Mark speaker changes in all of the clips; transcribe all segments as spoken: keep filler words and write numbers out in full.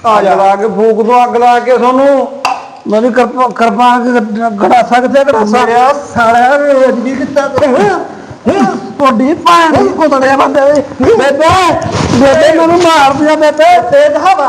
Speaker 1: अग ला के फूक दो अग ला के सोनू मेरी कृपान गड़ासा कितने गड़ासा साढ़े कितना थोड़ी भैन कुतड़े बंदे बेटे बेटे मैनू मार दिया बेटे तेज हवा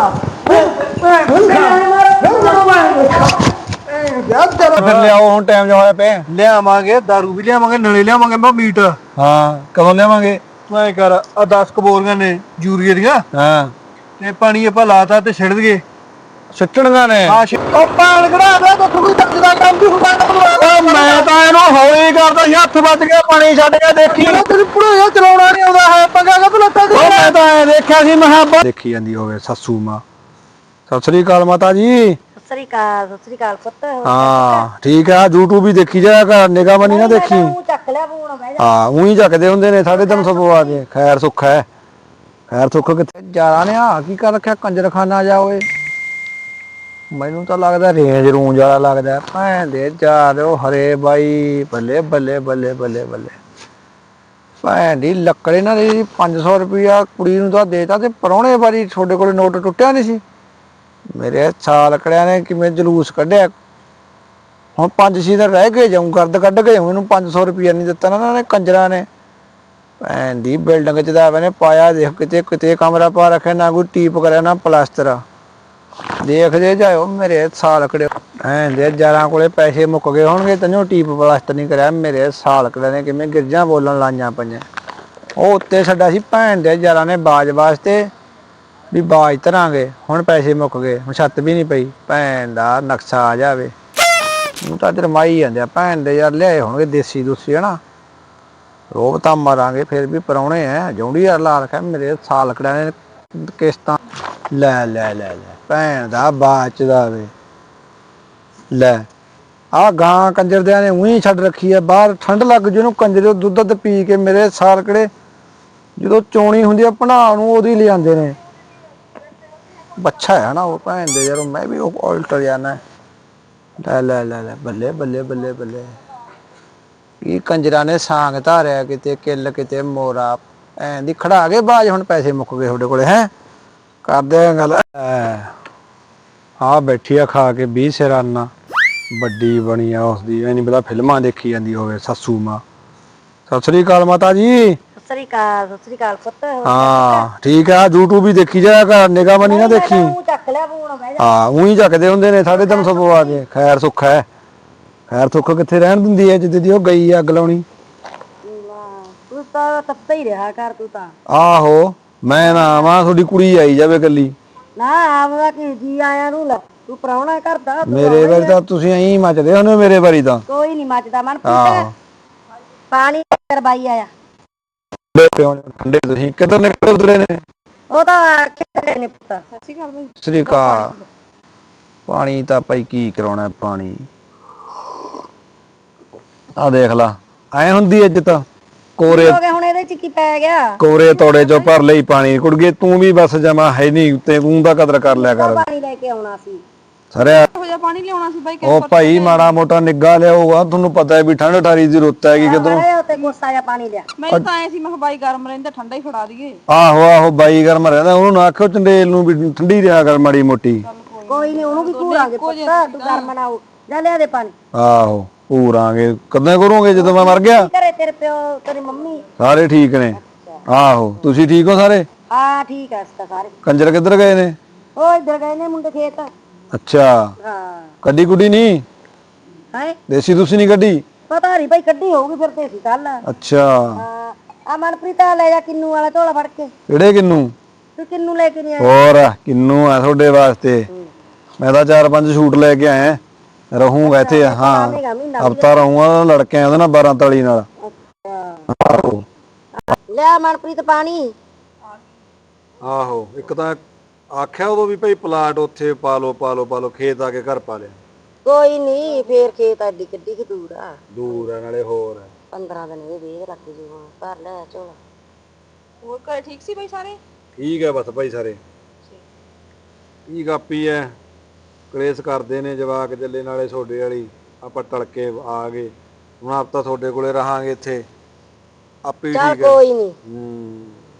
Speaker 1: फिर लियाओ हुण टाइम जो होया पे
Speaker 2: लियावांगे दारू भी लियावांगे नले लियावांगे मैं मीट
Speaker 1: हाँ कदों लियावांगे
Speaker 2: तू ऐ कर आ दस कबोरियां ने यूरिया दियां
Speaker 1: हाँ
Speaker 2: ते पानी ਆਪਾਂ ਲਾਤਾ ਤੇ ਛਿੜ ਦਈਏ
Speaker 1: ਸਿੱਟਣੀਆਂ ਨੇ
Speaker 2: ਹਾਂ ਉਹ ਪਾਣ ਕਢਾ ਦੇ ਤੇ ਕੋਈ ਤੱਕ ਦਾ ਕੰਮ ਵੀ ਹੁੰਦਾ
Speaker 1: ਉਹ ਮੈਂ ਤਾਂ ਇਹਨੂੰ ਹੌਲੀ ਕਰਦਾ ਸੀ ਹੱਥ ਵੱਜ ਗਿਆ ਪਾਣੀ ਛੱਡ ਕੇ ਦੇਖੀ
Speaker 2: ਤੈਨੂੰ ਪੁੜਿਆ ਚਲਾਉਣਾ ਨਹੀਂ ਆਉਂਦਾ ਹੈ ਪੰਗਾ ਕਾ ਲੱਤਾਂ
Speaker 1: ਉਹ ਮੈਂ ਤਾਂ ਐ ਦੇਖਿਆ ਸੀ ਮਹਾਬਾ ਦੇਖੀ ਜਾਂਦੀ ਹੋਵੇ ਸੱਸੂ ਮਾਂ ਸਤਿ ਸ੍ਰੀ ਅਕਾਲ ਮਾਤਾ ਜੀ
Speaker 3: ਸਤਿ ਸ੍ਰੀ ਅਕਾਲ ਸਤਿ ਸ੍ਰੀ ਅਕਾਲ ਪੁੱਤ
Speaker 1: ਹਾਂ ਠੀਕ ਆ YouTube ਵੀ ਦੇਖੀ ਜਾਇਆ ਕਰ ਨਿਗਾਹ ਮਨੀ ਨਾ ਦੇਖੀ
Speaker 3: ਤੂੰ ਚੱਕ ਲਿਆ ਫੋਨ ਬਹਿ ਜਾ
Speaker 1: ਹਾਂ ਉਹੀ ਚੱਕਦੇ ਹੁੰਦੇ ਨੇ ਸਾਢੇ ਤਿੰਨ ਸੌ ਪਵਾ ਕੇ ਖੈਰ ਸੁੱਖ ਹੈ ਖੈਰ ਸੁੱਖ ਕਿੱਥੇ ਜਾਣਾ ਨੇ ਆ ਕੀ ਕਰ ਰੱਖਿਆ ਕੰਜਰਖਾਨਾ ਜਾ ਓਏ ਮੈਨੂੰ ਤਾਂ ਲੱਗਦਾ ਰੇਂਜ ਰੂੰਜ ਵਾਲਾ ਲੱਗਦਾ ਭੈਣ ਦੇ ਯਾਰ ਉਹ ਹਰੇ ਬਾਈ ਬੱਲੇ ਬੱਲੇ ਬੱਲੇ ਬੱਲੇ ਬੱਲੇ ਭੈਣ ਦੀ ਲੱਕੜੇ ਨਾਲ ਇਹ ਪੰਜ ਸੌ ਰੁਪਇਆ ਕੁੜੀ ਨੂੰ ਤਾਂ ਦੇਤਾ ਤੇ ਪਰੌਣੇ ਵਾਰੀ ਤੁਹਾਡੇ ਕੋਲੇ ਨੋਟ ਟੁੱਟਿਆ ਨਹੀਂ ਸੀ ਮੇਰੇ ਸਾਲ ਕੜਿਆਂ ਨੇ ਕਿਵੇਂ ਜਲੂਸ ਕੱਢਿਆ ਹੁਣ ਪੰਜ ਛੇ ਦਿਨ ਰਹਿ ਗਏ ਜਾਊਂ ਗਰਦ ਕੱਢ ਕੇ ਜਾਊਂ ਇਹਨੂੰ ਪੰਜ ਸੌ ਰੁਪਇਆ ਨਹੀਂ ਦਿੱਤਾ ਨਾ ਇਹਨਾਂ ਨੇ ਕੰਜਰਾਂ ਨੇ ਭੈਣ ਦੀ ਬਿਲਡਿੰਗ ਚ ਤਾਂ ਮੈਨੇ ਪਾਇਆ ਦੇਖ ਕਿਤੇ ਕਿਤੇ ਕਮਰਾ ਪਾ ਰੱਖਿਆ ਨਾ ਕੋਈ ਟੀਪ ਕਰਿਆ ਨਾ ਪਲਾਸਟਰ ਦੇਖਦੇ ਜਾਇਓ ਮੇਰੇ ਸਾਲ ਕੜੇ ਐਂ ਦੇ ਯਾਰਾਂ ਕੋਲੇ ਪੈਸੇ ਮੁੱਕ ਗਏ ਹੋਣਗੇ ਤੈਨੂੰ ਟੀਪ ਪਲਾਸਟਰ ਨਹੀਂ ਕਰਿਆ ਮੇਰੇ ਸਾਲ ਕੜੇ ਨੇ ਕਿਵੇਂ ਗਿਰਜਾਂ ਬੋਲਣ ਲਾਈਆਂ ਪਈਆਂ ਉਹ ਉੱਤੇ ਛੱਡਿਆ ਸੀ ਭੈਣ ਦੇ ਯਾਰਾਂ ਨੇ ਬਾਜ ਵਾਸਤੇ ਵੀ ਬਾਜ ਧਰਾਂਗੇ ਹੁਣ ਪੈਸੇ ਮੁੱਕ ਗਏ ਹੁਣ ਛੱਤ ਵੀ ਨਹੀਂ ਪਈ ਭੈਣ ਦਾ ਨਕਸ਼ਾ ਆ ਜਾਵੇ ਨੂੰ ਤਾਂ ਰਮਾਈ ਜਾਂਦੇ ਆ ਭੈਣ ਦੇ ਯਾਰ ਲਿਆਏ ਹੋਣਗੇ ਦੇਸੀ ਦੂਸੀ ਹਨਾ ਰੋਬ ਤਾਂ ਮਾਰਾਂਗੇ ਫਿਰ ਵੀ ਪਰਾਉਣੇ ਐ ਜੌਂਡੀ ਯਾਰ ਲਾ ਰੱਖਿਆ ਮੇਰੇ ਸਾਲ ਕੜਿਆਂ ਨੇ ਕਿਸ਼ਤਾਂ ਲੈ ਲੈ ਲੈ ਲੈ ਭੈਣ ਦਾ ਬਾਚ ਦਾ ਵੇ ਲੈ ਆ ਗਾਂ ਕੰਜਰਦਿਆਂ ਨੇ ਉਹੀ ਛੱਡ ਰੱਖੀ ਐ ਬਾਹਰ ਠੰਡ ਲੱਗ ਜੂ ਇਹਨੂੰ ਕੰਜਰੇ ਦੁੱਧ ਦੁੱਧ ਪੀ ਕੇ ਮੇਰੇ ਸਾਲ ਕੜੇ ਜਦੋਂ ਚੋਣੀ ਹੁੰਦੀ ਆ ਭਣਾ ਨੂੰ ਉਹਦੀ ਲਿਆਂਦੇ ਨੇ ਬੱਚਾ ਹੈ ਨਾ ਉਹ ਭੈਣ ਦੇ ਯਾਰ ਮੈਂ ਵੀ ਉਹ ਉਲਟ ਜਾਣਾ ਲੈ ਲੈ ਲੈ ਲੈ ਬੱਲੇ ਬੱਲੇ ਬੱਲੇ ਬੱਲੇ ਕੀ ਕੰਜਰਾਂ ਨੇ ਸਾਂਗ ਧਾਰਿਆ ਕਿਤੇ ਕਿੱਲ ਕਿਤੇ ਮੋਰਾ ਐਂ ਦੀ ਖੜਾ ਕੇ ਬਾਜ ਹੁਣ ਪੈਸੇ ਮੁੱਕ ਗਏ ਤੁਹਾਡੇ ਕੋਲੇ ਹੈ ਕਰਦੇ ਆ ਗੱਲ ਆ ਬੈਠੀ ਆ ਖਾ ਕੇ ਵੀਹ ਸਿਰਾਨਾ ਵੱਡੀ ਬਣੀ ਆ ਉਸਦੀ ਐ ਨਹੀਂ ਪਤਾ ਫਿਲਮਾਂ ਦੇਖੀ ਜਾਂਦੀ ਹੋਵੇ ਸੱਸੂ ਮਾਂ ਸਤਿ ਸ੍ਰੀ ਅਕਾਲ ਮਾਤਾ ਜੀ
Speaker 3: ਸਤਿ ਸ੍ਰੀ ਅਕਾਲ ਸਤਿ ਸ੍ਰੀ ਅਕਾਲ ਪੁੱਤ
Speaker 1: ਹਾਂ ਠੀਕ ਆ YouTube ਵੀ ਦੇਖੀ ਜਾਇਆ ਕਰ ਨਿਗਾਹ ਮਨੀ ਨਾ ਦੇਖੀ
Speaker 3: ਤੂੰ ਚੱਕ ਲਿਆ ਫੋਨ ਬਹਿ ਜਾ
Speaker 1: ਹਾਂ ਉਹੀ ਚੱਕਦੇ ਹੁੰਦੇ ਨੇ ਸਾਢੇ ਤਿੰਨ ਸੌ ਪਵਾ ਕੇ ਖੈਰ ਸੁੱਖ ਹੈ ਖੈਰ ਸੁੱਖ ਕਿੱਥੇ ਰਹਿਣ ਦਿੰਦੀ ਐ ਜਿੱਦ ਦੀ ਉਹ ਗਈ ਆ ਅੱਗ ਲਾਉਣੀ
Speaker 3: ਤੂੰ ਤਾਂ ਤੱਪਦਾ ਹੀ ਰਿਹਾ ਕਰ ਤੂੰ ਤਾਂ
Speaker 1: ਆਹੋ ਮੈਂ ਨਾ ਆਵਾਂ ਤੁਹਾਡੀ ਕੁੜੀ ਆਈ ਜਾਵੇ ਕੱਲੀ
Speaker 3: ਨਾ ਆਪਦਾ ਕੀ ਜੀ ਆਇਆ ਨੂੰ ਲੈ ਤੂੰ ਪਰਾਉਣਾ ਕਰਦਾ
Speaker 1: ਮੇਰੇ ਵਾਰੀ ਤਾਂ ਤੁਸੀਂ ਐਂ ਮੱਚਦੇ ਹੁੰਦੇ ਮੇਰੇ ਵਾਰੀ ਤਾਂ
Speaker 3: ਕੋਈ ਨਹੀਂ ਮੱਚਦਾ ਮਨ
Speaker 1: ਆਹੋ
Speaker 3: ਪਾਣੀ ਕਰਵਾਈ ਆਇਆ
Speaker 1: ਠੰਡੇ ਤੁਸੀਂ ਕਿੱਧਰ ਨਿਕਲ ਉਧਰੇ ਨੇ
Speaker 3: ਉਹ ਤਾਂ ਕਿੱਥੇ ਨੇ ਪੁੱਤ ਸਤਿ ਸ੍ਰੀ ਅਕਾਲ ਬਈ
Speaker 1: ਸ੍ਰੀ ਅਕਾਲ ਪਾਣੀ ਤਾਂ ਭਾਈ ਕੀ ਕਰਾਉਣਾ ਪਾਣੀ ਆ ਦੇਖ ਲਾ ਐ ਹੁੰਦੀ ਇੱਜ਼ਤ ਕੋਰੇ
Speaker 3: ਹੋ ਗਿਆ ਹੁਣ ਇਹਦੇ ਚ ਕੀ ਪੈ ਗਿਆ
Speaker 1: ਕੋਰੇ ਤੋੜੇ ਚੋਂ ਭਰ ਲਈ ਪਾਣੀ ਕੁੜਗੇ ਤੂੰ ਵੀ ਬਸ ਜਮਾ ਹੈ ਨਹੀਂ ਉੱਤੇ ਤੂੰ ਦਾ ਕਦਰ ਕਰ ਲਿਆ ਕਰ
Speaker 3: ਪਾਣੀ ਲੈ ਕੇ ਆਉਣਾ ਸੀ
Speaker 1: ਸਰਿਆ
Speaker 4: ਹੋ ਜਾ ਪਾਣੀ ਲਿਆਉਣਾ ਸੀ ਬਾਈ
Speaker 1: ਉਹ ਭਾਈ ਮਾੜਾ ਮੋਟਾ ਨਿੱਗਾ ਲਿਆਊਗਾ ਤੁਹਾਨੂੰ ਪਤਾ ਹੈ ਵੀ ਠੰਡ ਠਾਰੀ ਦੀ ਰੁੱਤ ਹੈਗੀ ਕਿਧਰੋਂ
Speaker 3: ਅਰੇ ਉੱਤੇ ਗੁੱਸਾ ਜਿਹਾ ਪਾਣੀ ਲਿਆ
Speaker 4: ਮੈਂ ਤਾਂ ਐ ਸੀ ਮੈਂ ਕਿਹਾ ਬਾਈ ਗਰਮ ਰਹਿੰਦਾ ਠੰਡਾ ਹੀ ਫੜਾ ਦਈਏ
Speaker 1: ਆਹੋ ਆਹੋ ਬਾਈ ਗਰਮ ਰਹਿੰਦਾ ਉਹਨੂੰ ਨਾ ਆਖਿਓ ਚੰਡੇਲ ਨੂੰ ਵੀ ਠੰਡੀ ਰਿਹਾ ਕਰ ਮਾੜੀ ਮੋਟੀ
Speaker 3: ਕੋਈ ਨਹੀਂ ਉਹਨੂੰ ਵੀ ਘੂਰਾਂਗੇ ਪੁੱਤ ਤੂੰ ਗਰਮ ਨਾ ਹੋ ਜਾ ਲਿਆ ਦੇ ਪਾਣੀ
Speaker 1: ਆਹੋ ਪੂਰਾਂਗੇ ਕਦੋਂ ਕਰੋਗੇ ਜਦੋਂ ਮੈਂ ਮਰ ਗਿਆ
Speaker 3: ਘਰੇ ਤੇਰੇ ਪਿਓ ਤੇਰੀ ਮੰਮੀ
Speaker 1: ਸਾਰੇ ਠੀਕ ਨੇ ਆਹੋ ਤੁਸੀਂ ਠੀਕ ਹੋ ਸਾਰੇ
Speaker 3: ਹਾਂ ਠੀਕ ਆ ਸਤਾ ਸਾਰੇ
Speaker 1: ਕੰਜਰ ਕਿੱਧਰ ਗਏ ਨੇ
Speaker 3: ਉਹ ਇੱਧਰ ਗਏ ਨੇ ਮੁੰਡੇ ਖੇਤ
Speaker 1: ਅੱਛਾ
Speaker 3: ਹਾਂ
Speaker 1: ਕੱਢੀ ਕੁੱਡੀ ਨਹੀਂ
Speaker 3: ਹੈ
Speaker 1: ਦੇਸੀ ਤੁਸੀਂ ਨਹੀਂ ਕੱਢੀ
Speaker 3: ਪਤਾ ਨਹੀਂ ਭਾਈ ਕੱਢੀ ਹੋਊਗੀ ਫਿਰ ਤੇ ਸੀ ਕੱਲ
Speaker 1: ਅੱਛਾ
Speaker 3: ਹਾਂ ਆ ਮਨਪ੍ਰੀਤ ਆ ਲੈ ਜਾ ਕਿੰਨੂ ਵਾਲਾ ਝੋਲਾ ਫੜ ਕੇ
Speaker 1: ਕਿਹੜੇ ਕਿੰਨੂ
Speaker 3: ਤੂੰ ਕਿੰਨੂ ਲੈ ਕੇ ਨਹੀਂ ਆਇਆ
Speaker 1: ਹੋਰ ਕਿੰਨੂ ਆ ਤੁਹਾਡੇ ਵਾਸਤੇ ਮੈਂ ਤਾਂ ਚਾਰ ਪੰਜ ਸੂਟ ਲੈ ਕੇ ਆਇਆ ਰਹੂੰਗਾ ਇੱਥੇ ਹਾਂ ਹਫਤਾ ਰਹੂੰਗਾ ਲੜਕੇ ਉਹਦੇ ਨਾਲ ਬਾਰਾਂ ਤਾਲੀ ਨਾਲ ਆਹੋ
Speaker 3: ਲਿਆ ਮਨਪ੍ਰੀਤ ਪਾਣੀ
Speaker 1: ਆਹੋ ਇੱਕ ਤਾਂ ਆਖਿਆ ਉਦੋਂ ਵੀ ਭਾਈ ਪਲਾਟ ਉੱਥੇ ਪਾ ਲਓ ਪਾ ਲਓ ਪਾ ਲਓ ਖੇਤ ਆ ਕੇ ਘਰ ਪਾ ਲਿਆ
Speaker 3: ਕੋਈ ਨਹੀਂ ਫੇਰ ਖੇਤ ਐਡੀ ਕਿੱਡੀ ਕਿ ਦੂਰ ਆ
Speaker 1: ਦੂਰ ਆ ਨਾਲੇ ਹੋਰ ਹੈ
Speaker 3: ਪੰਦਰਾਂ ਦਿਨ ਇਹ ਵੇਹ ਲੱਗ ਜੂ ਹੁਣ ਭਰ ਲੈ ਝੋਲਾ
Speaker 4: ਹੋਰ ਘਰੇ ਠੀਕ ਸੀ ਬਾਈ ਸਾਰੇ
Speaker 1: ਠੀਕ ਹੈ ਬਸ ਭਾਈ ਸਾਰੇ ਕੀ ਕਾਪੀ ਹੈ ਕਲੇਸ਼ ਕਰਦੇ ਨੇ ਜਵਾਕ ਜੱਲੇ ਨਾਲੇ ਛੋਡੇ ਵਾਲੀ ਆਪਾਂ ਟਲਕੇ ਆ ਗਏ ਹੁਣ ਆਪ ਤਾਂ ਤੁਹਾਡੇ ਕੋਲੇ ਰਹਾਂਗੇ ਇੱਥੇ ਆਪੇ
Speaker 3: ਚੱਲ
Speaker 1: ਠੀਕ ਹੈ
Speaker 3: ਕੋਈ ਨਹੀਂ
Speaker 1: ਹੂੰ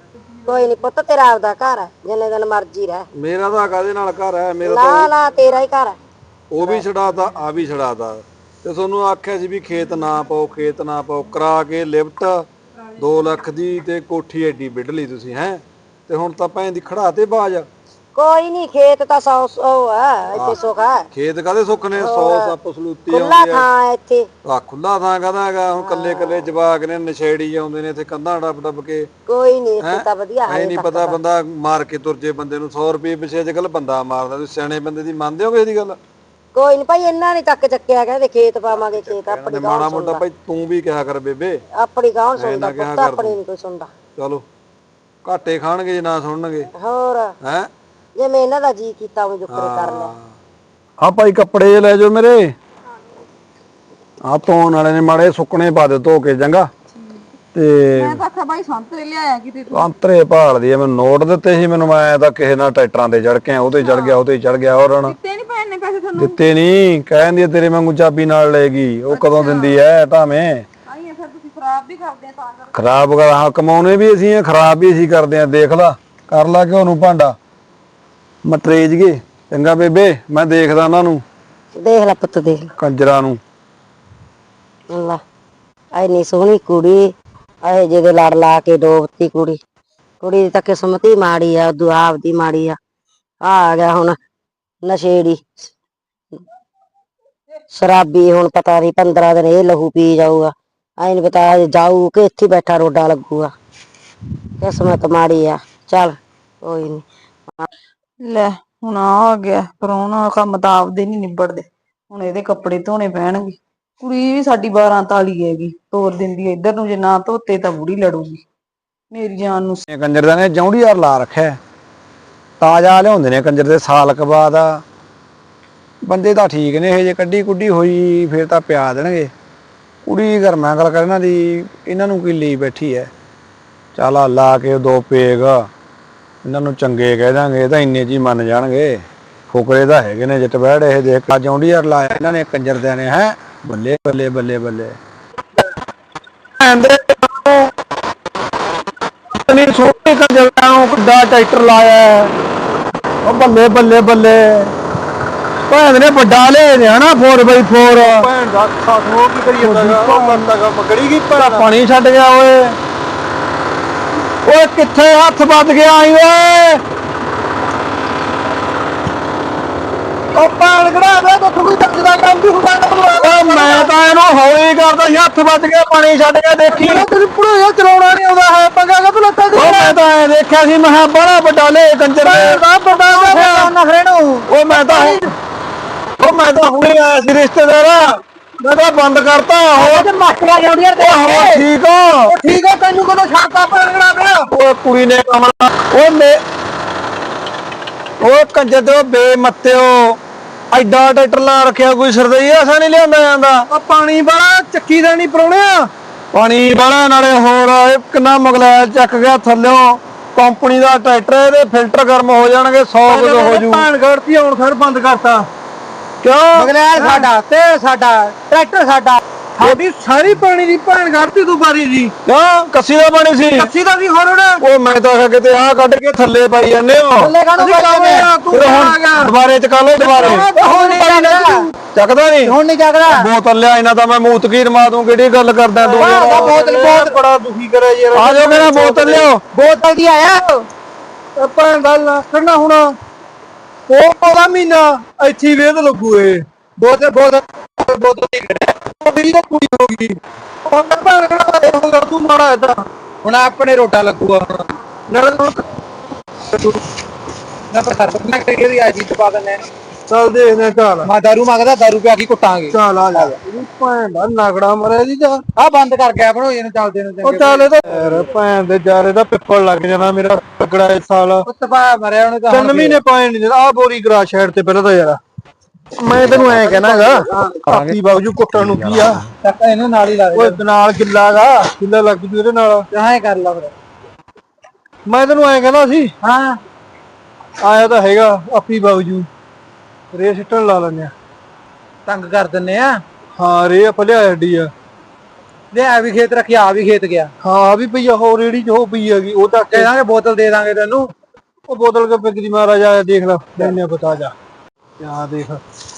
Speaker 3: ਕੋਈ ਨਹੀਂ ਪੁੱਤ ਤੇਰਾ ਆਪਦਾ ਘਰ ਹੈ ਜਿੰਨੇ ਦਿਨ ਮਰਜੀ ਰਹਿ।
Speaker 1: ਮੇਰਾ ਤਾਂ ਕਾਹਦੇ ਨਾਲ ਘਰ ਹੈ, ਮੇਰਾ
Speaker 3: ਨਾ ਨਾ ਤੇਰਾ ਹੀ ਘਰ ਹੈ।
Speaker 1: ਉਹ ਵੀ ਛਡਾਤਾ ਆ ਵੀ ਛਡਾਤਾ। ਤੇ ਤੁਹਾਨੂੰ ਆਖਿਆ ਸੀ ਵੀ ਖੇਤ ਨਾ ਪਾਓ ਖੇਤ ਨਾ ਪਾਓ, ਕਰਾ ਕੇ ਲਿਫਟ ਦੋ ਲੱਖ ਦੀ ਤੇ ਕੋਠੀ ਐਡੀ ਵਿੱਢ ਲਈ ਤੁਸੀਂ ਹੈ। ਤੇ ਹੁਣ ਤਾਂ ਭੈਣ ਦੀ ਖੜਾ ਤੇ ਬਾਜ।
Speaker 3: ਕੋਈ ਨਹੀਂ ਖੇਤ ਤਾਂ ਸੌ ਸੌ ਹੈ ਇੱਥੇ ਸੁੱਖ ਹੈ।
Speaker 1: ਖੇਤ ਕਾਹਦੇ ਸੁੱਖ ਨੇ, ਸੌ ਸੱਪ ਸਲੂਤੀ
Speaker 3: ਖੁੱਲਾ
Speaker 1: ਆਉਂਦੀ
Speaker 3: ਥਾਂ ਹੈ ਇੱਥੇ।
Speaker 1: ਆ ਖੁੱਲਾ ਥਾਂ ਕਾਹਦਾ ਹੈਗਾ, ਹੁਣ ਕੱਲੇ ਕੱਲੇ ਜਵਾਕ ਨੇ ਨਸ਼ੇੜੀ ਆਉਂਦੇ ਨੇ ਇੱਥੇ ਕੰਧਾਂ ਡੱਬ ਡੱਬ ਕੇ।
Speaker 3: ਕੋਈ ਨਹੀਂ ਇੱਥੇ ਤਾਂ ਵਧੀਆ ਹੈ।
Speaker 1: ਐ ਨਹੀਂ ਪਤਾ ਬੰਦਾ ਮਾਰ ਕੇ ਤੁਰ ਜੇ ਬੰਦੇ ਨੂੰ ਸੌ ਰੁਪਏ ਪਿੱਛੇ ਅੱਜ ਕੱਲ ਬੰਦਾ ਮਾਰਦਾ। ਤੁਸੀਂ ਸਿਆਣੇ ਬੰਦੇ ਦੀ ਮੰਨਦੇ ਹੋ ਕਿਸੇ ਦੀ ਗੱਲ?
Speaker 3: ਕੋਈ ਨਹੀਂ ਭਾਈ ਇਹਨਾਂ ਨੇ ਤੱਕ ਚੱਕਿਆ ਕਹਿੰਦੇ ਖੇਤ ਪਾਵਾਂਗੇ ਖੇਤ ਆਪਣੀ
Speaker 1: ਮਾੜਾ ਮੋਟਾ ਭਾਈ ਤੂੰ ਵੀ ਕਿਹਾ ਕਰ ਬੇਬੇ,
Speaker 3: ਆਪਣੀ ਕੌਣ ਸੁਣਦਾ ਪੁੱਤ, ਆਪਣੀ ਨਹੀਂ ਕੋਈ ਸੁਣਦਾ।
Speaker 1: ਚਲੋ ਘਾਟੇ ਖਾਣਗੇ ਜੇ ਨਾ ਸੁਣਨਗੇ।
Speaker 3: ਹੋਰ
Speaker 1: ਹੈ
Speaker 3: ਜਿਵੇਂ ਇਹਨਾਂ ਦਾ ਜੀ ਕੀਤਾ ਉਹ ਜੁਕਰੇ ਕਰ ਲਿਆ।
Speaker 1: ਆ ਭਾਈ ਕੱਪੜੇ ਲੈ ਜਾਓ ਮੇਰੇ, ਆ ਧੋਣ ਵਾਲੇ ਨੇ ਮਾੜੇ ਸੁੱਕਣੇ ਪਾ ਦੇ ਧੋ ਕੇ ਚੰਗਾ। ਤੇ
Speaker 4: ਮੈਂ ਤਾਂ ਆਖਿਆ ਬਾਈ ਸੰਤਰੇ ਲਿਆਇਆ ਕਿਤੇ ਤੂੰ।
Speaker 1: ਅੰਤਰੇ ਭਾਲਦੀ ਆ, ਮੈਨੂੰ ਨੋਟ ਦਿੱਤੇ ਸੀ ਮੈਨੂੰ, ਮੈਂ ਤਾਂ ਕਿਸੇ ਨਾਲ ਟਰੈਕਟਰਾਂ ਤੇ ਚੜ ਕੇ ਆ, ਉਹਤੇ ਚੜ ਗਿਆ ਉਹਤੇ ਚੜ ਗਿਆ। ਹੋਰ ਹੁਣ
Speaker 4: ਦਿੱਤੇ ਨਹੀਂ ਭੈਣ ਨੇ ਪੈਸੇ ਤੁਹਾਨੂੰ?
Speaker 1: ਦਿੱਤੇ ਨਹੀਂ, ਕਹਿੰਦੀ ਆ ਤੇਰੇ ਵਾਂਗੂ ਚਾਬੀ ਨਾਲ ਲੈ ਗਈ। ਉਹ ਕਦੋਂ ਦਿੰਦੀ ਐ ਭਾਵੇਂ।
Speaker 4: ਆਈ ਫਿਰ ਤੁਸੀਂ ਖਰਾਬ ਵੀ ਕਰਦੇ ਆ ਤਾਂ ਕਰ।
Speaker 1: ਖਰਾਬ ਕਰ ਹਾਂ, ਕਮਾਉਣੇ ਵੀ ਅਸੀਂ ਆ, ਖਰਾਬ ਵੀ ਅਸੀਂ ਕਰਦੇ ਆ। ਦੇਖ ਲਾ ਕਰ ਲਾ ਘਿਓ ਨੂੰ ਭਾਂਡਾ ਮਟਰੇਜ ਗਏ। ਚੰਗਾ ਬੇਬੇ ਮੈਂ ਦੇਖਦਾ ਉਹਨਾਂ ਨੂੰ,
Speaker 3: ਦੇਖ ਲੈ ਪੁੱਤ ਦੇਖ ਲੈ
Speaker 1: ਕੰਜਰਾਂ ਨੂੰ।
Speaker 3: ਅੱਲਾ ਐਨੀ ਸੋਹਣੀ ਕੁੜੀ ਇਹ ਜਿਹਦੇ ਲੜ ਲਾ ਕੇ ਡੋਬਤੀ ਕੁੜੀ। ਕੁੜੀ ਦੀ ਤਾਂ ਕਿਸਮਤ ਹੀ ਮਾੜੀ ਆ, ਦੁਆ ਆਪਦੀ ਮਾੜੀ ਆ। ਆ ਗਿਆ ਹੁਣ ਨਸ਼ੇੜੀ ਸ਼ਰਾਬੀ, ਹੁਣ ਪਤਾ ਨਹੀਂ ਪੰਦਰਾਂ ਦਿਨ ਇਹ ਲਹੂ ਪੀ ਜਾਊਗਾ। ਐ ਨੀ ਪਤਾ ਜਾਊ ਕਿ ਇੱਥੇ ਬੈਠਾ ਰੋਡਾ ਲੱਗੂਗਾ। ਕਿਸਮਤ ਮਾੜੀ ਆ। ਚੱਲ ਕੋਈ ਨੀ।
Speaker 4: ਲੈ ਹੁਣ ਆ ਗਿਆ ਪਰਾਉਣਾ, ਕੰਮ ਤਾਂ ਆਪਦੇ ਨਹੀਂ ਨਿਬੜਦੇ। ਹੁਣ ਇਹਦੇ ਕੱਪੜੇ ਧੋਣੇ ਪੈਣਗੇ। ਕੁੜੀ ਵੀ ਸਾਡੀ ਬਾਰਾਂ ਤਾਲੀ ਹੈਗੀ, ਤੋਰ ਦਿੰਦੀ ਹੈ ਇੱਧਰ ਨੂੰ, ਜੇ ਨਾ ਧੋਤੇ ਤਾਂ ਬੁੜੀ ਲੜੂਗੀ ਮੇਰੀ ਜਾਨ ਨੂੰ।
Speaker 1: ਕੰਜਰ ਦਾ ਨੇ ਜੌਂਡੀ ਯਾਰ ਲਾ ਰੱਖਿਆ, ਤਾਜ਼ਾ ਲਿਆਉਂਦੇ ਨੇ ਕੰਜਰ ਦੇ ਸਾਲ ਕ ਬਾਅਦ। ਬੰਦੇ ਤਾਂ ਠੀਕ ਨੇ, ਇਹ ਜੇ ਕੱਢੀ ਕੁੱਢੀ ਹੋਈ ਫਿਰ ਤਾਂ ਪਿਆ ਦੇਣਗੇ। ਕੁੜੀ ਗਰਮਾ ਗੱਲ ਕਰ ਇਹਨਾਂ ਦੀ, ਇਹਨਾਂ ਨੂੰ ਕੀ ਲਈ ਬੈਠੀ ਐ। ਚੱਲ ਆ ਲਾ ਕੇ ਦੋ ਪੇਗ ਇਹਨਾਂ ਨੂੰ ਚੰਗੇ ਕਹਿ ਦਾਂਗੇ, ਇਹ ਤਾਂ ਇੰਨੇ ਚ ਹੀ ਮੰਨ ਜਾਣਗੇ। ਫੁਕਰੇ ਤਾਂ ਹੈਗੇ ਨੇ ਜੱਟ ਬੈੜ। ਇਹ ਦੇਖ ਜੌਂਡੀ ਯਾਰ ਲਾਇਆ ਇਹਨਾਂ ਨੇ ਕੰਜਰ ਦੇ ਨੇ। ਹੈ ਬੱਲੇ ਬੱਲੇ ਬੱਲੇ ਬੱਲੇ ਛੋਟੇ ਕੰਜਰਾਂ ਨੂੰ ਕਿੱਡਾ ਟਰੈਕਟਰ ਲਾਇਆ। ਉਹ ਬੱਲੇ ਬੱਲੇ ਬੱਲੇ ਭੈਣ ਨੇ ਵੱਡਾ ਲੈ ਨੇ ਹਨਾ ਫੋਰ ਬਾਈ ਫੋਰ।
Speaker 2: ਭੈਣ ਦਾ ਸਾਥੋਂ ਕੀ ਕਰੀ ਜਾਂਦਾ ਉਹ ਬੰਦਾ ਮਗੜੀ ਕੀ
Speaker 1: ਭੈਣ ਪਾਣੀ ਛੱਡ ਗਿਆ ਓਏ। ਓਏ ਕਿੱਥੇ ਹੱਥ ਵੱਜ ਗਿਆ ਆਈ ਓਏ।
Speaker 2: ਉਹ ਪਾਣ ਕਢਾ ਦੇ ਤਾਂ ਕੋਈ ਚੱਜ ਦਾ ਕੰਮ ਵੀ ਹੁੰਦਾ।
Speaker 1: ਓ ਮੈਂ ਤਾਂ ਇਹਨੂੰ ਹੌਲੀ ਕਰਦਾ ਸੀ, ਹੱਥ ਵੱਜ ਗਿਆ ਪਾਣੀ ਛੱਡ ਗਿਆ। ਦੇਖੀ
Speaker 2: ਤੇਰੀ ਪੁੜਾ ਚਲਾਉਣਾ ਨਹੀਂ ਆਉਂਦਾ ਹੈ, ਪੰਗਾ ਕਾ ਲੱਤਾਂ
Speaker 1: ਓ ਮੈਂ ਤਾਂ ਐ ਦੇਖਿਆ ਸੀ, ਮੈਂ ਕਿਹਾ ਬੜਾ ਵੱਡਾ ਲੈ ਕੰਜਰ
Speaker 2: ਦਾ ਵੱਡਾ ਦਾ ਨਖਰੇ ਨੂੰ।
Speaker 1: ਓ ਮੈਂ ਤਾਂ ਓ ਮੈਂ ਤਾਂ ਹੁਣੇ ਆਇਆ ਸੀ ਰਿਸ਼ਤੇਦਾਰ, ਮੈਂ ਤਾਂ ਬੰਦ ਕਰਤਾ। ਹੋਰ
Speaker 3: ਤੇ ਮਾਸਟਰ ਜੌਂਡੀ ਯਾਰ
Speaker 1: ਹੋਰ ਠੀਕ ਹੋ?
Speaker 2: ਠੀਕ ਆ, ਤੈਨੂੰ ਕਦੋਂ ਛੱਡਤਾ ਪਾਣ ਕਢਾ ਦੇ।
Speaker 1: ਓਏ ਕੁੜੀ ਨੇ ਕਮਲਾ ਓਏ ਮੇ ਓਏ ਕੰਜਰ ਦੇ ਬੇਮੱਤਿਓ, ਐਡਾ ਟਰੈਕਟਰ ਲਾ ਰੱਖਿਆ, ਕੋਈ ਸਰਦਈ ਐਸਾ ਨਹੀਂ ਲਿਆਂਦਾ ਜਾਂਦਾ।
Speaker 2: ਆ ਪਾਣੀ ਵਾਲਾ ਚੱਕੀ ਦਾ ਨਹੀਂ ਪਰੋਣਿਆ।
Speaker 1: ਪਾਣੀ ਵਾਲਾ ਨਾਲੇ ਹੋਰ ਇਹ ਕਿੰਨਾ ਮਗਲੈਲ ਚੱਕ ਗਿਆ ਥੱਲਿਓ। ਕੰਪਨੀ ਦਾ ਟਰੈਕਟਰ, ਇਹਦੇ ਫਿਲਟਰ ਗਰਮ ਹੋ ਜਾਣਗੇ, ਸੌ ਕਿਲੋ ਹੋ ਜੂ।
Speaker 2: ਪਾਣ ਗੜਤੀ ਹੁਣ ਫਿਰ ਬੰਦ ਕਰਤਾ।
Speaker 1: ਕਿਉਂ
Speaker 2: ਮਗਲੈਲ ਸਾਡਾ ਤੇ ਸਾਡਾ ਟਰੈਕਟਰ ਸਾਡਾ, ਸਾਡੀ ਸਾਰੀ ਪਾਣੀ ਦੀ ਭੈਣ ਗੜਤੀ ਤੂੰ ਬਾਰੀ ਜੀ।
Speaker 1: ਕਿਉਂ ਕੱਸੀ ਦਾ ਪਾਣੀ ਸੀ?
Speaker 2: ਕੱਸੀ ਦਾ ਵੀ ਹੋਰ ਹੁਣ
Speaker 1: ਉਹ ਮੈਂ ਤਾਂ ਆਖਿਆ ਕਿਤੇ ਆਹ ਕੱਢ ਕੇ ਥੱਲੇ ਪਾਈ ਜਾਂਦੇ ਹੋ।
Speaker 2: ਥੱਲੇ ਕਾਹਨੂੰ ਪਾਈ ਜਾਂਦੇ ਆ? ਤੂੰ
Speaker 1: ਫਿਰ
Speaker 2: ਆ
Speaker 1: ਹੁਣ
Speaker 2: ਗਿਆ।
Speaker 1: ਦੁਬਾਰੇ ਚਕਾ ਲਓ ਦੁਬਾਰੇ।
Speaker 2: ਹੁਣ ਨਹੀਂ ਜਾਗਦਾ,
Speaker 1: ਚੱਕਦਾ ਨਹੀਂ
Speaker 2: ਹੁਣ ਨਹੀਂ ਜਾਗਦਾ।
Speaker 1: ਬੋਤਲ ਲਿਆ ਇਹਨਾਂ ਤਾਂ ਮੈਂ ਮੂਤਕੀਰ ਮਾ ਦੂੰ। ਕਿਹੜੀ ਗੱਲ ਕਰਦਾ ਤੂੰ?
Speaker 2: ਬੋਤਲ ਬਹੁਤ ਬੜਾ ਦੁਖੀ ਕਰਿਆ ਯਾਰ।
Speaker 1: ਆ ਜਾਓ ਮੇਰਾ ਬੋਤਲ ਲਿਓ।
Speaker 2: ਬੋਤਲ ਦੀ ਆਇਆ ਭੈਣ ਦਾ ਲੱਖਣਾ ਹੁਣ ਉਹ ਉਹਦਾ ਮਹੀਨਾ ਇੱਥੇ ਵੇਦ ਲੱਗੂ। ਇਹ ਬੋਤਲ ਬੋਤਲ ਬੋਤਲ ਦੀ ਮੇਰੀ ਤਾਂ ਕੁੜੀ ਹੋ ਗਈ। ਉਹ ਭੈਣ ਕਿਹੜਾ ਇਹੋ ਕਰ ਤੂੰ ਮਾੜਾ ਏਦਾਂ। ਹੁਣ ਆਪਣੇ ਰੋਟਾ ਲੱਗੂਗਾ ਹੁਣ ਨਾਲ ਨਾ ਪਰ ਮੈਂ ਕਿਹੜੀ ਆ ਜੀ ਪਾ ਦਿੰਦੇ। ਚੱਲ ਦੇਖਦੇ ਚੱਲ। ਮੈਂ ਦਾਰੂ ਮੰਗਦਾ, ਦਾਰੂ ਪਿਆ ਕੇ ਕੁੱਟਾਂਗੇ। ਚੱਲ ਆ ਜਾ। ਭੈਣ ਦਾ ਨਗੜਾ ਮਰਿਆ ਜੀ ਜਾ। ਆ ਬੰਦ ਕਰ ਗਿਆ ਬਣੋ ਇਹਨੂੰ ਚੱਲਦੇ ਨੂੰ। ਉਹ ਚੱਲ ਇਹ ਤਾਂ ਯਾਰ ਭੈਣ ਦੇ ਜਾਰੇ ਦਾ ਪਿੱਪਲ ਲੱਗ ਜਾਣਾ ਮੇਰਾ ਤਗੜਾ ਇਸ ਸਾਲ। ਉੱਤਪਾ ਮਰਿਆ ਉਹਨੇ ਤਾਂ ਤਿੰਨ ਮਹੀਨੇ ਪਾਏ ਨਹੀਂ। ਆ ਬੋਰੀ ਗਰਾ ਸ਼ਹਿਰ ਤੇ ਪਹਿਲਾਂ ਤਾਂ ਯਾਰ ਮੈਂ ਤੈਨੂੰ ਐ ਕਹਿਣਾਗਾ ਕਾਪੀ ਬਾਗਜੂ ਕੁੱਟਣ ਨੂੰ ਕੀ ਆ। ਚੱਕ ਇਹਨੂੰ ਨਾਲ ਹੀ ਲਾ ਦੇ। ਓਏ ਨਾਲ ਗਿੱਲਾਗਾ, ਗਿੱਲਾ ਲੱਗ ਜੂ ਇਹਦੇ ਨਾਲ। ਐਂ ਕਰ ਲਾ ਫਿਰ। ਮੈਂ ਤੈਨੂੰ ਐ ਕਹਿੰਦਾ ਸੀ। ਹਾਂ ਆਇਆ ਤਾਂ ਹੈਗਾ ਆਪੀ ਬਾਗਜੂ, ਰੇ ਸਿੱਟਣ ਲਾ ਲੈਂਦੇ ਆ। ਤੰਗ ਕਰ ਦਿੰਨੇ ਆ। ਹਾਂ ਰੇ ਆਪਾਂ ਲਿਆ ਐਡੀ ਆ। ਲਿਆ ਵੀ ਖੇਤ ਰੱਖਿਆ ਆ ਵੀ ਖੇਤ ਗਿਆ ਹਾਂ ਵੀ ਪਈ ਆ ਹੋ ਰੇੜੀ ਚ ਹੋ ਪਈ ਹੈਗੀ ਉਹ ਤਾਂ ਕਹਿ ਦਾਂਗੇ ਬੋਤਲ ਦੇ ਦਾਂਗੇ ਤੈਨੂੰ ਉਹ ਬੋਤਲ ਕੇ ਪਿੱਗਦੀ ਮਹਾਰਾਜਾ ਦੇਖ ਲੈ ਲੈਣੇ ਬਤਾ ਜਾ ਆ ਦੇਖ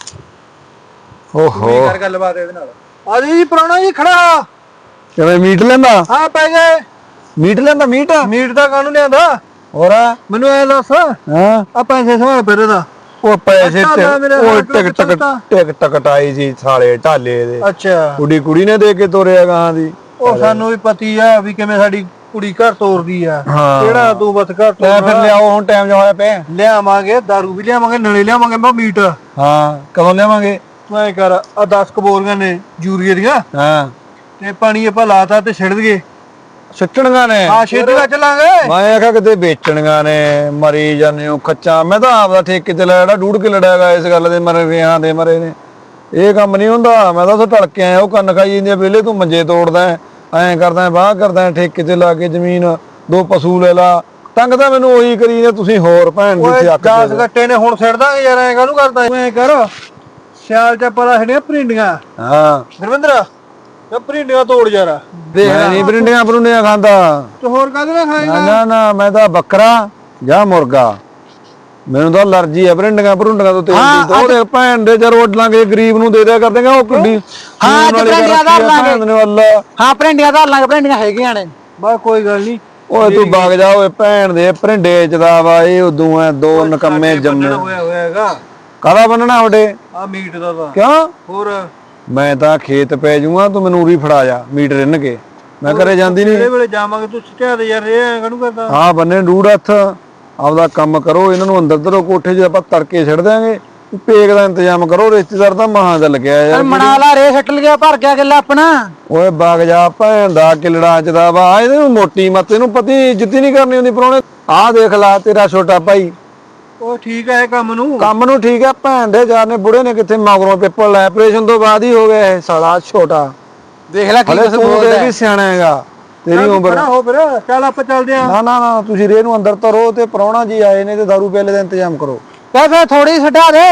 Speaker 1: ਓਹੋ
Speaker 2: ਕਰ ਗੱਲਬਾਤ ਇਹਦੇ ਨਾਲ ਆ ਜੀ ਪੁਰਾਣਾ ਜੀ ਖੜਾ
Speaker 1: ਕਿਵੇਂ ਮੀਟ ਲੈਂਦਾ
Speaker 2: ਹਾਂ ਪੈ ਗਏ
Speaker 1: ਮੀਟ ਲੈਂਦਾ ਮੀਟ
Speaker 2: ਮੀਟ ਦਾ ਕਾਹਨੂੰ ਲਿਆਂਦਾ
Speaker 1: ਹੋਰ
Speaker 2: ਮੈਨੂੰ ਐ ਦੱਸ
Speaker 1: ਹਾਂ
Speaker 2: ਆ ਪੈਸੇ ਸਵਾਲ ਫਿਰ ਇਹਦਾ
Speaker 1: ਉਹ ਪੈਸੇ
Speaker 2: ਅੱਛਾ,
Speaker 1: ਤੇ
Speaker 2: ਮੇਰੇ
Speaker 1: ਉਹ
Speaker 2: ਨਾਲ
Speaker 1: ਟਿਕ ਟਕ
Speaker 2: ਚੱਲਦਾ।
Speaker 1: ਟਿਕ ਟਕ ਟਾਈ ਸੀ ਸਾਲੇ ਢਾਲੇ ਦੇ
Speaker 2: ਅੱਛਾ
Speaker 1: ਕੁੜੀ ਕੁੜੀ ਨੇ ਦੇ ਕੇ ਤੋਰਿਆ ਗਾਂ ਦੀ
Speaker 2: ਉਹ ਸਾਨੂੰ ਵੀ ਪਤੀ ਆ ਵੀ ਕਿਵੇਂ ਸਾਡੀ ਕੁੜੀ ਘਰ ਤੋਰਦੀ ਆ
Speaker 1: ਹਾਂ।
Speaker 2: ਕਿਹੜਾ ਤੂੰ ਬਸ ਘਰ
Speaker 1: ਲੈ
Speaker 2: ਤੋਰ
Speaker 1: ਫਿਰ ਲਿਆਓ ਹੁਣ ਟਾਈਮ ਜਾ ਹੋਇਆ ਪਿਆ
Speaker 2: ਲਿਆਵਾਂਗੇ ਦਾਰੂ ਵੀ ਲਿਆਵਾਂਗੇ ਨਲੇ ਲਿਆਵਾਂਗੇ ਮੈਂ ਮੀਟ
Speaker 1: ਹਾਂ ਕਦੋਂ ਲਿਆਵਾਂਗੇ
Speaker 2: ਤੂੰ ਐ ਕਰ ਆ ਦਸ ਕਬੋਰੀਆਂ ਨੇ ਯੂਰੀਏ ਦੀਆਂ
Speaker 1: ਹਾਂ
Speaker 2: ਤੇ ਪਾਣੀ ਆਪਾਂ ਲਾਤਾ ਤੇ ਛਿੜ ਦਈਏ
Speaker 1: ਸਿੱਟਣੀਆਂ ਨੇ
Speaker 2: ਹਾਂ ਛੇਤੀ ਨਾਲ ਚੱਲਾਂਗੇ
Speaker 1: ਮੈਂ ਆਖਿਆ ਕਿਤੇ ਵੇਚਣੀਆਂ ਨੇ ਮਰੀ ਜਾਂਦੇ ਹੋ ਖੱਚਾ ਮੈਂ ਤਾਂ ਆਪਦਾ ਠੇਕੇ ਤੇ ਲੈ ਜਿਹੜਾ ਡੂੜ ਕੇ ਲੜਿਆਗਾ ਇਸ ਗੱਲ ਦੇ ਮਰੇ ਵਿਆਹਾਂ ਦੇ ਮਰੇ ਨੇ ਇਹ ਕੰਮ ਨਹੀਂ ਹੁੰਦਾ ਮੈਂ ਤਾਂ ਉੱਥੇ ਟਲ ਕੇ ਆਇਆ ਉਹ ਕੰਨ ਖਾਈ ਜਾਂਦੀ ਆ ਵੇਲੇ ਤੂੰ ਮੰਜੇ ਤੋੜਦਾ ਐਂ ਕਰਦਾ ਬਾਹ ਕਰਦਾ ਠੇਕੇ ਤੇ ਲਾ ਕੇ ਜ਼ਮੀਨ ਦੋ ਪਸ਼ੂ ਲੈ ਲਾ ਤੰਗ ਤਾਂ ਮੈਨੂੰ ਉਹੀ ਕਰੀ ਨੇ ਤੁਸੀਂ ਹੋਰ ਭੈਣ ਦੀ
Speaker 2: ਓਏ
Speaker 1: ਅੱਖ
Speaker 2: ਦਸ ਗੱਟੇ ਨੇ ਹੁਣ ਛਿੜ ਦਾਂਗੇ ਯਾਰ ਐ ਕਾਹਨੂੰ ਕਰਦਾ ਤੂੰ ਐ ਕਰ ਸਿਆਲ ਚ ਪਲਾ ਛੜੀਆਂ ਭਰਿੰਡੀਆਂ
Speaker 1: ਹਾਂ
Speaker 2: ਗੁਰਵਿੰਦਰ ਇਹ ਭਰਿੰਡੀਆਂ ਤੋੜ ਯਾਰ ਦੇਖ
Speaker 1: ਮੈਂ ਨਹੀਂ ਬਰਿੰਡੀਆਂ ਬਰੁੰਡੀਆਂ ਖਾਂਦਾ
Speaker 2: ਤੇ ਹੋਰ ਕਾਹਦੇ ਨਾਲ ਖਾਏਗਾ
Speaker 1: ਨਾ ਨਾ ਨਾ ਮੈਂ ਤਾਂ ਬੱਕਰਾ ਜਾਂ ਮੁਰਗਾ ਮੈਨੂੰ ਤਾਂ ਅਲਰਜੀ ਆ ਬਰਿੰਡੀਆਂ ਬਰੁੰਡੀਆਂ ਤੋਂ ਤੇਲ ਦੀ ਉਹਦੇ ਭੈਣ ਦੇ ਜਰ ਉੱਡ ਲਾਂਗੇ ਗਰੀਬ ਨੂੰ ਦੇ ਦਿਆ ਕਰ ਦੇਗਾ ਉਹ ਕਿੱਡੀ
Speaker 2: ਹਾਂ ਤੇ ਭਰਿੰਡੀਆਂ ਧਰ ਲਾਂਗੇ
Speaker 1: ਅੱਲਾ
Speaker 2: ਹਾਂ ਭਰਿੰਡੀਆਂ ਧਰ ਲਾਂਗੇ ਭਰਿੰਡੀਆਂ ਹੈਗੀਆਂ ਨੇ ਬਸ ਕੋਈ ਗੱਲ ਨਹੀਂ
Speaker 1: ਓਏ ਤੂੰ ਵਗ ਜਾ ਓਏ ਭੈਣ ਦੇ ਭਰਿੰਡੇ ਚਦਾ ਵਾ ਇਹ ਉਦੋਂ ਐ ਦੋ ਨਕੰਮੇ ਜੰਮੇ
Speaker 2: ਹੋਇਆ ਹੋਇਆ ਹੈਗਾ
Speaker 1: ਕਾਹਦਾ ਬੰਨਣਾ ਤੁਹਾਡੇ
Speaker 2: ਆ ਮੀਟ ਦਾ ਤਾਂ
Speaker 1: ਕਿਉਂ
Speaker 2: ਹੋਰ
Speaker 1: ਮੈਂ ਤਾਂ ਖੇਤ ਪੈ ਜੂਗਾ ਤੂੰ ਮੈਨੂੰ ਉਰੀ ਫੜਾ ਜਾ ਮੀਟ ਰਿੰਨ ਕੇ ਮੈਂ ਘਰੇ ਜਾਂਦੀ ਨਹੀਂ
Speaker 2: ਕਿਹੜੇ ਵੇਲੇ ਜਾਵਾਂਗੇ ਤੂੰ ਸਿੱਟਿਆ ਦੇ ਯਾਰ ਇਹ ਐ ਕਾਹਨੂੰ ਕਰਦਾ
Speaker 1: ਹਾਂ ਬੰਨੇ ਡੂੜ ਹੱਥ ਆਪਦਾ ਕੰਮ ਕਰੋ ਇਹਨਾਂ ਨੂੰ ਅੰਦਰ ਧਰੋ ਕੋਠੇ 'ਚ ਆਪਾਂ ਤੜਕੇ ਛੱਡ ਦਿਆਂਗੇ ਪੇਕ ਦਾ ਇੰਤਜ਼ਾਮ ਕਰੋ ਰਿਸ਼ਤੇਦਾਰ ਤਾਂ ਮਹਾਂ ਚੱਲ ਗਿਆ ਯਾਰ
Speaker 2: ਮਨਾ ਲਾ ਰੇ ਛੱਟ ਲਿਆ ਭਰ ਗਿਆ ਕਿੱਲਾ ਆਪਣਾ
Speaker 1: ਓਏ ਵਗ ਜਾ ਭੈਣ ਦਾ ਕਿਲੜਾ ਚਦਾ ਵਾ ਇਹਦੇ ਨੂੰ ਮੋਟੀ ਮੱਤ ਇਹਨੂੰ ਪਤੀ ਜਿੱਤੀ ਨਹੀਂ ਕਰਨੀ ਹੁੰਦੀ ਪਰੋਣੇ ਆਹ ਦੇਖ ਲਾ ਤੇਰਾ ਛੋਟਾ ਭਾਈ
Speaker 2: ਉਹ ਠੀਕ ਹੈ ਇਹ ਕੰਮ ਨੂੰ
Speaker 1: ਕੰਮ ਨੂੰ ਠੀਕ ਹੈ ਭੈਣ ਦੇ ਯਾਰ ਨੇ ਬੁੜੇ ਨੇ ਕਿੱਥੇ ਮਗਰੋਂ ਪੇਪਰ ਲੈ ਆਪਰੇਸ਼ਨ ਤੋਂ ਬਾਅਦ ਹੀ ਹੋ ਗਿਆ ਇਹ ਸਾਲਾ ਛੋਟਾ
Speaker 2: ਦੇਖ ਲੈ ਕੀ
Speaker 1: ਹਲੇ
Speaker 2: ਕੁਛ
Speaker 1: ਤੂੰ
Speaker 2: ਬੋਲਦਾ
Speaker 1: ਤੇ ਵੀ ਸਿਆਣਾ ਹੈਗਾ ਤੇਰੀ ਉਮਰ
Speaker 2: ਖੜਾ ਹੋ ਫਿਰ ਚੱਲ ਆਪਾਂ ਚੱਲਦੇ ਆਂ
Speaker 1: ਨਾ ਨਾ ਨਾ ਤੁਸੀਂ ਰੇ ਨੂੰ ਅੰਦਰ ਧਰੋ ਤੇ ਪ੍ਰਾਹੁਣਾ ਜੀ ਆਏ ਨੇ ਤੇ ਦਾਰੂ ਪਿਆਲੇ ਦਾ ਇੰਤਜ਼ਾਮ ਕਰੋ
Speaker 2: ਕਹਿ ਫੇ ਥੋੜੀ ਛੱਡਾ ਦੇ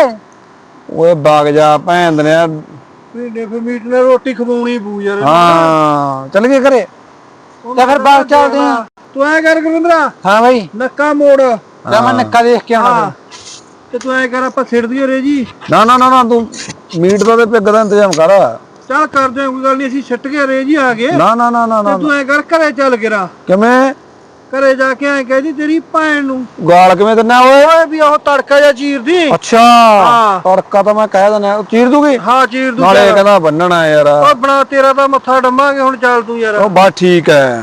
Speaker 1: ਓਏ ਬਾਗ ਜਾ ਭੈਣ ਦੇ
Speaker 2: ਪੀਂਡੇ ਫੇ ਮੀਟ ਨਾਲ ਰੋਟੀ ਖਵਾਉਣੀ ਪੂ ਯਾਰ
Speaker 1: ਹਾਂ ਚੱਲ ਗਏ ਘਰੇ
Speaker 2: ਤੇ ਫਿਰ ਬਾਹਰ ਚੱਲਦੇ ਆਂ ਤੂੰ ਐ ਕਰ ਗੁਰਵਿੰਦਰਾ
Speaker 1: ਹਾਂ ਬਾਈ
Speaker 2: ਨੱਕਾ ਮੋੜ
Speaker 1: ਜਾ ਮੈਂ ਨੱਕਾ
Speaker 2: ਦੇਖ ਕੇ ਆਉਣਾ ਤੇ ਤੂੰ ਐ ਕਰ ਆਪਾਂ ਸਿਰ ਦਈਏ ਰੇ ਜੀ
Speaker 1: ਨਾ ਨਾ ਨਾ ਨਾ ਤੂੰ ਮੀਟ ਦਾ ਤੇ ਪਿੱਗ ਦਾ ਇੰਤਜ਼ਾਮ ਕਰ
Speaker 2: ਚੱਲ ਕਰਦੇ ਆਂ ਕੋਈ ਗੱਲ ਨਹੀਂ ਅਸੀਂ ਛੱਟ ਕੇ ਰੇ ਜੀ ਆ ਗਏ
Speaker 1: ਨਾ ਨਾ ਨਾ ਨਾ ਨਾ
Speaker 2: ਤੂੰ ਐ ਕਰ ਘਰੇ ਚੱਲ ਗਿਰਾ
Speaker 1: ਕਿਵੇਂ
Speaker 2: ਘਰੇ ਜਾ ਕੇ ਐ ਕਹਿ ਦੀ ਤੇਰੀ ਭੈਣ ਨੂੰ
Speaker 1: ਗਾਲ ਕਿਵੇਂ ਦਿੰਨਾ ਓਏ
Speaker 2: ਓਏ ਵੀ ਉਹ ਤੜਕਾ ਜਾਂ ਚੀਰਦੀ
Speaker 1: ਅੱਛਾ ਤੜਕਾ ਤਾਂ ਮੈਂ ਕਹਿ ਦਿੰਦਾ ਚੀਰ ਦੂਗੀ
Speaker 2: ਹਾਂ ਚੀਰ ਦੂ
Speaker 1: ਨਾਲੇ ਕਹਿੰਦਾ ਬੰਨਣਾ ਯਾਰ
Speaker 2: ਉਹ ਬਣਾ ਤੇਰਾ ਤਾਂ ਮੱਥਾ ਡੰਮਾਂਗੇ ਹੁਣ ਚੱਲ ਤੂੰ ਯਾਰ
Speaker 1: ਉਹ ਬਸ ਠੀਕ ਹੈ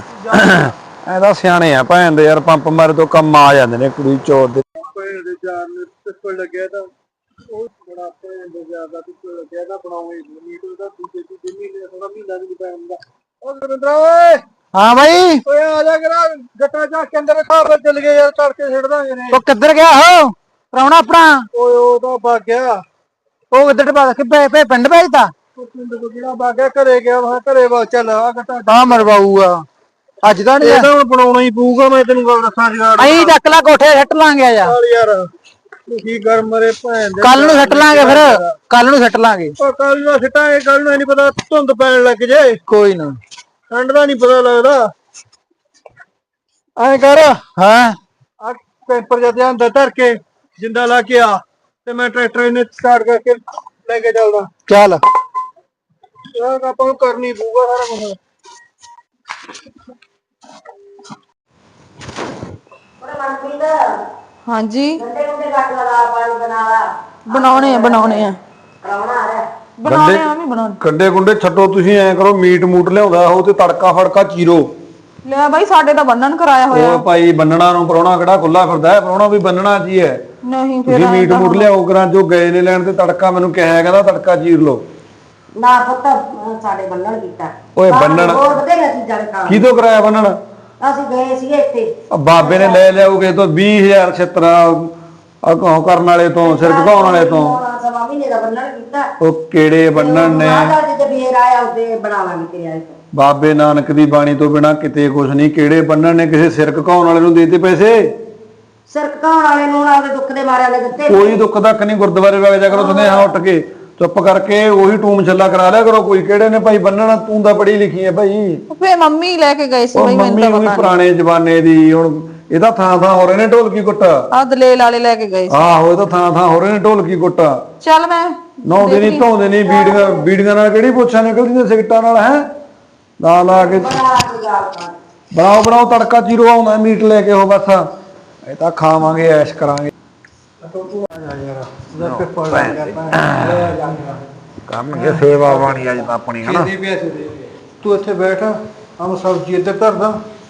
Speaker 1: ਐ ਤਾਂ ਸਿਆਣੇ ਆ ਭੈਣ ਦੇ ਯਾਰ ਪੰਪ ਮਾਰੇ ਤੋਂ ਕੰਮ ਆ ਜਾਂਦੇ ਨੇ ਕੁੜੀ ਚੋਰ ਦੇ
Speaker 2: ਭੈਣ ਦੇ ਚਾਰ ਨੇ ਪਿੱਪਲ ਲੱਗਿਆ ਤਾਂ ਉਹ ਬੜਾ ਭੈਣ ਦੇ ਜ਼ਿਆਦਾ ਪਿੱਪਲ ਲੱਗਿਆ ਤਾਂ ਬਣਾਉਣੇ ਮੀਟ ਦਾ ਦੂਜੇ ਦੀ ਦਿਨੀ ਨੇ ਥੋੜਾ ਮਹੀਨਾ ਵੀ ਪੈਣ ਦਾ ਉਹ ਗੁਰਿੰਦਰਾ ਓਏ
Speaker 1: ਹਾਂ ਬਾਈ
Speaker 2: ਓਏ ਆ ਜਾ ਕਰਾ ਗੱਟਾ ਜਾ ਕੇ ਅੰਦਰ ਖਾਬਰ ਚੱਲ ਗਏ ਯਾਰ ਤੜਕੇ ਛੱਡ ਦਾਂਗੇ ਨੇ
Speaker 1: ਉਹ ਕਿੱਧਰ ਗਿਆ ਹੋ ਪ੍ਰਾਹੁਣਾ ਆਪਣਾ
Speaker 2: ਓਏ ਉਹ ਤਾਂ ਭੱਗ ਗਿਆ
Speaker 1: ਉਹ ਕਿੱਧਰ ਪਾ ਕਿ ਪੇ ਪਿੰਡ ਭੇਜਦਾ
Speaker 2: ਉਹ ਪਿੰਡ ਤੋਂ ਜਿਹੜਾ ਭੱਗ ਗਿਆ ਘਰੇ ਗਿਆ ਮੈਂ ਘਰੇ ਬਾ ਚੱਲ ਆ ਗੱਟਾ
Speaker 1: ਤਾਂ ਮਰਵਾਊਗਾ ਅੱਜ ਤਾਂ
Speaker 2: ਇਹ ਤਾਂ ਹੁਣ ਬਣਾਉਣਾ ਹੀ ਪਊਗਾ ਮੈਂ ਤੈਨੂੰ ਗੱਲ ਦੱਸਾਂ ਜਗਾੜ
Speaker 1: ਅਹੀਂ ਚੱਕ ਲਾ ਕੋਠੇ ਛੱਟ ਲਾਂਗੇ ਯਾਰ
Speaker 2: ਚੱਲ ਯਾਰ ਤੂੰ ਕੀ ਕਰ ਮਰੇ ਭੈਣ ਦੇ
Speaker 1: ਕੱਲ ਨੂੰ ਛੱਟ ਲਾਂਗੇ ਫਿਰ ਕੱਲ ਨੂੰ ਛੱਟ ਲਾਂਗੇ
Speaker 2: ਉਹ ਕੱਲ ਨੂੰ ਸਿੱਟਾਂਗੇ ਕੱਲ ਨੂੰ ਨਹੀਂ ਪਤਾ ਧੁੰਦ ਪੈਣ ਲੱਗ ਜੇ
Speaker 1: ਕੋਈ ਨਾ
Speaker 2: ਠੰਡ ਦਾ ਨਹੀਂ ਪਤਾ ਲੱਗਦਾ ਐ ਕਰ
Speaker 1: ਹਾਂ
Speaker 2: ਆ ਪੇਪਰ ਜਦ ਅੰਦਰ ਧਰ ਕੇ ਜਿੰਦਾ ਲਾ ਕੇ ਆ ਤੇ ਮੈਂ ਟਰੈਕਟਰ ਇਹਨੇ ਸਟਾਰਟ ਕਰਕੇ ਲੈ ਕੇ ਚੱਲਦਾ
Speaker 1: ਚੱਲ
Speaker 2: ਯਾਰ ਆਪਾਂ ਨੂੰ ਕਰਨੀ ਪਊਗਾ ਸਾਰਾ ਕੁਝ
Speaker 4: ਹਾਂਜੀ
Speaker 3: ਗੰਡੇ ਗੁੰਡੇ ਕੱਟ ਲਾ ਪਾਣੀ ਬਣਾ ਲਾ
Speaker 4: ਬਣਾਉਣੇ ਆ ਬਣਾਉਣੇ ਆ
Speaker 3: ਪ੍ਰਾਹੁਣਾ ਆ ਰਿਹਾ
Speaker 4: ਬਣਾਉਣੇ ਆ ਵੀ ਬਣਾਉਣੇ
Speaker 1: ਕੰਡੇ ਕੁੰਡੇ ਛੱਡੋ ਤੁਸੀਂ ਐ ਕਰੋ ਮੀਟ ਮੂਟ ਲਿਆਉਂਦਾ ਉਹ ਤੇ ਤੜਕਾ ਫੜਕਾ ਚੀਰੋ
Speaker 4: ਲੈ ਬਾਈ ਸਾਡੇ ਤਾਂ ਬੰਨਣ ਕਰਾਇਆ ਹੋਇਆ
Speaker 1: ਉਹ ਭਾਈ ਬੰਨਣਾ ਨੂੰ ਪ੍ਰਾਹੁਣਾ ਕਿਹੜਾ ਖੁੱਲਾ ਫਿਰਦਾ ਹੈ ਪ੍ਰਾਹੁਣਾ ਵੀ ਬੰਨਣਾ ਕੀ ਹੈ
Speaker 4: ਨਹੀਂ ਫਿਰ
Speaker 1: ਤੁਸੀਂ ਮੀਟ ਮੂਟ ਲਿਆਓ ਕਰਾਂ ਜੋ ਗਏ ਨੇ ਲੈਣ ਤੇ ਤੜਕਾ ਮੈਨੂੰ ਕਿਹਾ ਕਹਿੰਦਾ ਤੜਕਾ ਚੀਰ ਲਓ
Speaker 3: ਨਾ ਪੁੱਤ ਅਹ ਸਾਡੇ ਬੰਨਣ ਕੀਤਾ
Speaker 1: ਓਏ ਬੰਨਣ
Speaker 3: ਹੋਰ ਬਥੇਰੀਆਂ ਚੀਜ਼ਾਂ ਨੇ ਖਾਣ
Speaker 1: ਕਿਹਦੋਂ ਕਰਾਇਆ ਬੰਨਣ
Speaker 3: ਅਸੀਂ ਗਏ ਸੀਗੇ ਇੱਥੇ
Speaker 1: ਆ ਬਾਬੇ ਨੇ ਲੈ ਲਿਆਉਗੇ ਤੋਂ ਵੀਹ ਹਜ਼ਾਰ ਛਿੱਤਰਾ ਆ ਕਹੋ ਕਰਨ ਵਾਲੇ ਤੋਂ ਸਿਰ ਘਕਾਉਣ ਵਾਲੇ ਤੋਂ
Speaker 3: ਸਵਾ ਮਹੀਨੇ ਦਾ ਬੰਨਣ ਕੀਤਾ
Speaker 1: ਉਹ ਕਿਹੜੇ ਬੰਨਣ ਨੇ
Speaker 3: ਮਾਤਾ ਜੀ ਤੇ ਫੇਰ ਆਇਆ ਉਹਦੇ ਬਣਾਵਾਂਗੇ ਤੇਰੇ ਆਏ ਤੋਂ
Speaker 1: ਬਾਬੇ ਨਾਨਕ ਦੀ ਬਾਣੀ ਤੋਂ ਬਿਨਾ ਕਿਤੇ ਕੁਛ ਨਹੀਂ ਕਿਹੜੇ ਬੰਨਣ ਨੇ ਕਿਸੇ ਸਿਰ ਘਕਾਉਣ ਵਾਲੇ ਨੂੰ ਦੇਤੇ ਪੈਸੇ
Speaker 3: ਸਿਰ ਘਕਾਉਣ ਵਾਲੇ ਨੂੰ ਉਹਦੇ ਦੁੱਖ ਦੇ ਮਾਰਿਆਂ ਦੇ ਦਿੱਤੇ
Speaker 1: ਕੋਈ ਦੁੱਖ ਦੱਕ ਨਹੀਂ ਗੁਰਦੁਆਰੇ ਵਗ ਜਾ ਕਰੋ ਸੁਨੇਹਾ ਉੱਠ ਕੇ ਚੁੱਪ ਕਰਕੇ ਉਹੀ ਟੂਮ ਛੱਲਾ ਕਰਾ ਲਿਆ ਕਰੋ। ਕੋਈ ਕਿਹੜੇ ਨੇ ਭਾਈ ਬੰਨਣਾ, ਤੂੰ ਤਾਂ ਪੜ੍ਹੀ ਲਿਖੀ ਹੈ ਭਾਈ।
Speaker 4: ਫੇ ਮੰਮੀ ਲੈ ਕੇ ਗਏ ਸੀ
Speaker 1: ਉਹ
Speaker 4: ਬਈ, ਮੈਨੂੰ
Speaker 1: ਮੰਮੀ
Speaker 4: ਤਾਂ
Speaker 1: ਉਹੀ
Speaker 4: ਪਤਾ
Speaker 1: ਪੁਰਾਣੇ ਜ਼ਮਾਨੇ ਦੀ, ਹੁਣ ਇਹਦਾ ਥਾਂ ਥਾਂ ਹੋ ਰਹੇ ਨੇ ਢੋਲਕੀ ਕੁੱਟ।
Speaker 4: ਆ ਦਲੇਲ ਵਾਲੇ ਲੈ ਕੇ ਗਏ ਸੀ।
Speaker 1: ਆਹੋ ਇਹਦਾ ਥਾਂ ਥਾਂ ਹੋ ਰਹੇ ਨੇ ਢੋਲਕੀ ਕੁੱਟ।
Speaker 4: ਚੱਲ ਮੈਂ
Speaker 1: ਨਹਾਉਂਦੇ ਨਹੀਂ ਧੋਂਦੇ ਨਹੀਂ, ਬੀੜੀਆਂ ਬੀੜੀਆਂ ਨਾਲ ਕਿਹੜੀ ਪੁੱਛਾਂ ਨਿਕਲਦੀਆਂ ਸਿਗਟਾਂ ਨਾਲ ਹੈ। ਲਾ ਲਾ ਕੇ ਬਣਾਓ ਬਣਾਓ ਤੜਕਾ ਚੀਰੋ, ਆਉਂਦਾ ਮੀਟ ਲੈ ਕੇ ਉਹ ਬਸ ਇਹ ਤਾਂ ਖਾਵਾਂਗੇ ਐਸ਼ ਕਰਾਂਗੇ। ਕਰਨਗੇ ਸੇਵਾ ਬਾਣੀ ਅੱਜ ਤਾਂ ਆਪਣੀ ਹਨਾ।
Speaker 2: ਤੂੰ ਇੱਥੇ ਬੈਠ, ਹਮ ਸਬਜ਼ੀ ਇੱਧਰ ਧਰਦਾ।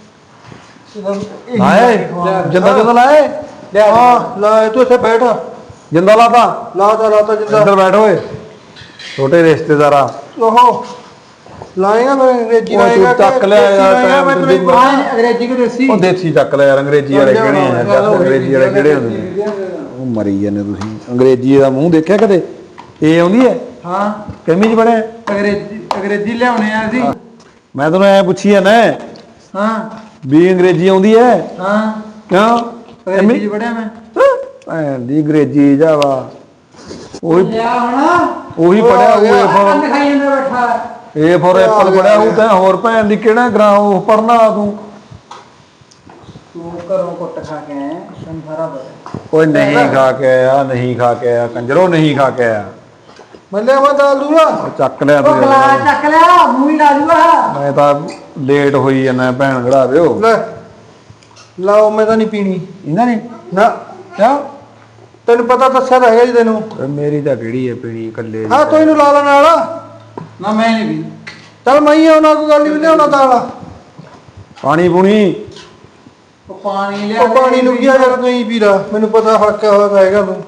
Speaker 1: ਲਾਏ ਜਿੰਦਾ ਜਿੰਦਾ ਲਾਏ
Speaker 2: ਹਾਂ ਲਾ, ਤੂੰ ਇੱਥੇ ਬੈਠ।
Speaker 1: ਜਿੰਦਾ ਲਾਤਾ
Speaker 2: ਲਾਤਾ ਲਾਤਾ ਜਿੰਦਾ।
Speaker 1: ਇੱਧਰ ਬੈਠ ਓਏ ਛੋਟੇ ਰਿਸ਼ਤੇਦਾਰਾ।
Speaker 2: ਉਹ ਲਾਏਗਾ ਮੈਂ ਅੰਗਰੇਜ਼ੀ
Speaker 1: ਉਹ ਤੂੰ
Speaker 2: ਲਾਏਗਾ।
Speaker 1: ਚੱਕ ਲਿਆ ਯਾਰ ਟਾਈਮ
Speaker 2: ਮੈਂ
Speaker 1: ਤੇ
Speaker 2: ਤੈਨੂੰ ਅੰਗਰੇਜ਼ੀ ਕਿ ਦੇਸੀ?
Speaker 1: ਉਹ ਦੇਸੀ ਚੱਕ ਲਿਆ ਯਾਰ, ਅੰਗਰੇਜ਼ੀ ਵਾਲੇ ਕਿਹੜੇ ਆ ਯਾਰ, ਅੰਗਰੇਜ਼ੀ ਵਾਲੇ ਕਿਹੜੇ ਹੁੰਦੇ ਨੇ। ਉਹ ਮਰੀ ਜਾਂਦੇ ਤੁਸੀਂ। ਅੰਗਰੇਜ਼ੀ ਦਾ ਮੂੰਹ ਦੇਖਿਆ ਕਦੇ? ਇਹ ਆਉਂਦੀ ਹੈ?
Speaker 2: ਹਾਂ
Speaker 1: ਕਿੰਮੀ ਚ ਬਣਿਆ
Speaker 2: ਅੰਗਰੇਜ਼ੀ, ਅੰਗਰੇਜ਼ੀ ਲਿਆਉਣੇ ਆ ਅਸੀਂ।
Speaker 1: ਮੈਂ ਤੈਨੂੰ ਐ ਪੁੱਛੀ ਆ ਨਾ
Speaker 2: ਹਾਂ
Speaker 1: ਵੀ ਅੰਗਰੇਜ਼ੀ ਆਉਂਦੀ ਹੈ?
Speaker 2: ਹਾਂ
Speaker 1: ਕਿਉਂ?
Speaker 2: ਅੰਗਰੇਜ਼ੀ ਪੜਿਆ ਮੈਂ।
Speaker 1: ਭੈਣ ਦੀ ਅੰਗਰੇਜ਼ੀ ਜਾਵਾ ਉਹੀ
Speaker 2: ਲਿਆ ਹੁਣ
Speaker 1: ਉਹੀ ਪੜਿਆ ਉਹ ਏ ਫੋਰ
Speaker 2: ਦਿਖਾਈ ਜਾਂਦਾ ਬੈਠਾ।
Speaker 1: ਏ ਫੋਰ ਐਪਲ ਪੜਿਆ ਉਹ ਤਾਂ ਹੋਰ ਭੈਣ ਦੀ ਕਿਹੜਾ ਗ੍ਰਾਂ ਉਹ ਪੜਨਾ ਤੂੰ।
Speaker 2: ਤੂੰ ਘਰੋਂ ਕੁੱਟ ਖਾ ਕੇ ਆਇਆ, ਤੈਨੂੰ ਸਾਰਾ ਪਤਾ।
Speaker 1: ਕੋਈ ਨਹੀਂ ਖਾ ਕੇ ਆਇਆ, ਨਹੀਂ ਖਾ ਕੇ ਆਇਆ ਕੰਜਰੋ, ਨਹੀਂ ਖਾ ਕੇ ਆਇਆ।
Speaker 2: ਮੱਲੇ ਮੈਂ ਦਾਲ ਦੂਰਾ
Speaker 1: ਚੱਕ ਲਿਆ ਤੂੰ
Speaker 2: ਗਲਾ ਚੱਕ ਲਿਆ, ਮੂੰਹ ਹੀ ਲਾ ਦੂਗਾ।
Speaker 1: ਮੈਂ ਤਾਂ ਲੇਟ ਹੋਈ ਜਾਂਦਾ ਭੈਣ ਘੜਾ ਦਿਓ।
Speaker 2: ਲੈ ਲਾਓ, ਮੈਂ ਤਾਂ ਨਹੀਂ ਪੀਣੀ
Speaker 1: ਇਹਨਾਂ ਨੇ
Speaker 2: ਨਾ।
Speaker 1: ਕਿਉਂ?
Speaker 2: ਤੈਨੂੰ ਪਤਾ ਦੱਸਿਆ ਤਾਂ ਹੈਗਾ ਜੀ ਤੈਨੂੰ।
Speaker 1: ਮੇਰੀ ਤਾਂ ਕਿਹੜੀ ਹੈ ਪੀਣੀ ਇਕੱਲੇ
Speaker 2: ਹਾਂ ਤੂੰ ਇਹਨੂੰ ਲਾ ਲਾ ਨਾਲ। ਨਾ ਮੈਂ ਨਹੀਂ ਪੀ। ਚੱਲ ਮੈਂ ਹੀ ਆਉਣਾ, ਕੋਈ ਗੱਲ ਨਹੀਂ ਲਿਆਉਣਾ ਦਾਲ।
Speaker 1: ਪਾਣੀ ਪੂਣੀ
Speaker 2: ਉਹ ਪਾਣੀ ਲਿਆ। ਉਹ ਪਾਣੀ ਨੂੰ ਕੀ ਆ ਯਾਰ, ਤੂੰ ਹੀ ਪੀ ਲਾ, ਮੈਨੂੰ ਪਤਾ ਹੱਕਿਆ ਹੋਇਆ ਤਾਂ ਹੈਗਾ ਤੂੰ।